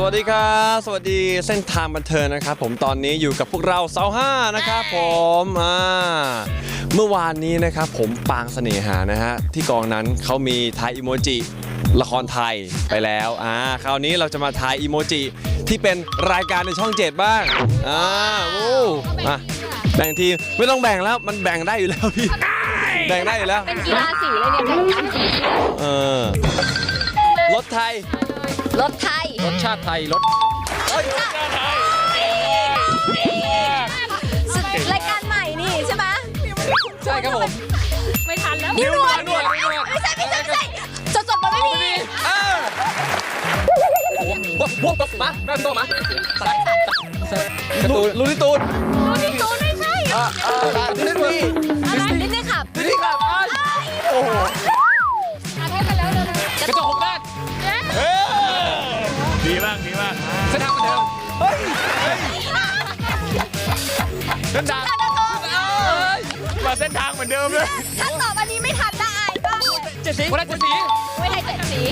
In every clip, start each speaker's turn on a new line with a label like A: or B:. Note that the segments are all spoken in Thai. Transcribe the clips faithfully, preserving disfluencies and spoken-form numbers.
A: วัสดีครับสวัสดีเส้นทางบันเทิงนะครับผมตอนนี้อยู่กับพวกเราเสาห้านะครับผมอ่าเมื่อวานนี้นะครับผมปางเสน่หานะฮะที่กองนั้นเขามีทายอีโมจิละครไทยไปแล้วอ่าคราวนี้เราจะมาทายอีโมจิที่เป็นรายการในช่องเจ็ดบ้างอ่าโอ้มาแบ่งทีไม่ต้องแบ่งแล้วมันแบ่งได้อยู่แล้วพี่แบ่งได้อยู่แล้ว
B: เป็นกีฬาสีเลยเนี่ยแข่งกันสี
A: เออรถไทย
B: รถไทย
C: รสชาติไทยรส
B: รายการใหม่นี่ใช่ไหม
C: ใช่ครับผม
B: ไม่ทันแล้วนิ้วนวลนิ้วนวลไม่ใช่ไม่ใช่ไม่ใช่จดจดมาไม่มี
C: พวกพวกมาแม่ตัวมา
A: ลูลูนิตูน
B: ลูนิตูนไม่ใช่
A: ดิสนีย์
B: อะไรดิสนีย์ขับ
A: ดิสนีย์ขับโอ้โห
B: อาเทพไปแล้วเลย
C: กระจกหกด้าน
D: ดีมากดีมาก
C: เส้นทางบันเทิง
A: เฮ้ย
C: เส้นทาง
D: มาเส้นทางเหมือนเดิมเลย
B: ถ้าตอบอันนี้ไม่ทันได้อายบ้าง
C: เจ็ดสีวันละเจ็ดสี
B: ไม่ได้เจ็ดสี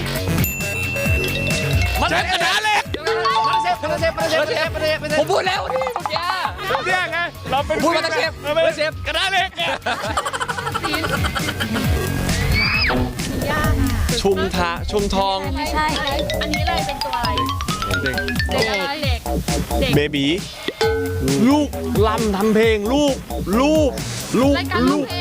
C: มันเป็นกระดาษเหล็กมันเซฟมันเซฟมันเซฟมันเซฟมันเซฟผมพูดแล้วนี่เมื่อกี้
D: เนี่ยไงเราเป็น
C: พูดมันเซฟมันเซฟ
D: กระดาษเหล็ก
A: ชุมทาชุมทอง
B: ไม่ใช่อันนี้เลยเป็นตัวอะไรเด็กเด็ก
A: เบบีลูกลำทำเพลงลูกลูกลูกลูก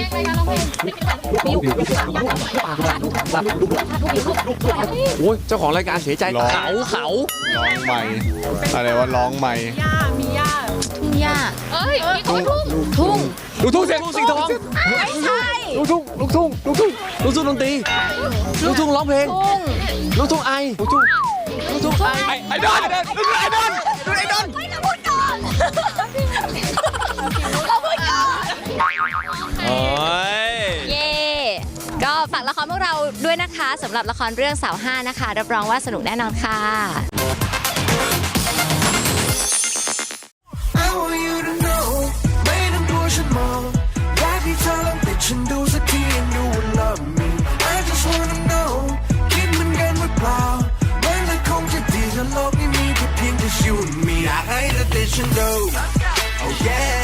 A: โอ้ยเจ้าของรายการเสียใจเขาเขา
D: ร้องใหม่อะไรว่าร้องใหม่
B: ย่ามีย่าทุ่งย่าเอ้ยมีทุ่งทุ่ง
C: ลูกทุ่งเสียง
A: สิงทอง
B: ไม่ใช่
A: ลูกทุ่งลูกทุ่งลูกทุ่งลูกทุ่งดนตรีลูกทุ่งร้องเพลงลูกทุ่งไอลูกทุ่งลูกทุ่งไอ
C: ไอดอลลูกทุ่งไอดอลลูกไอดอล
B: ไม่ต้องพูดก่อนเราพูดก่อน
A: โอ้ย
B: เย่ก็ฝากละครพวกเราด้วยนะคะสำหรับละครเรื่องสาวห้านะคะรับรองว่าสนุกแน่นอนค่ะ
E: ฉันดูสักทีand you will love me I just wanna know คิดเหมือนกันหรือเปล่ามันเลยคงจะดีถ้าโลกนี้มีแค่เพียงแต่ you and me อยากให้เธอติดฉันดู oh yeah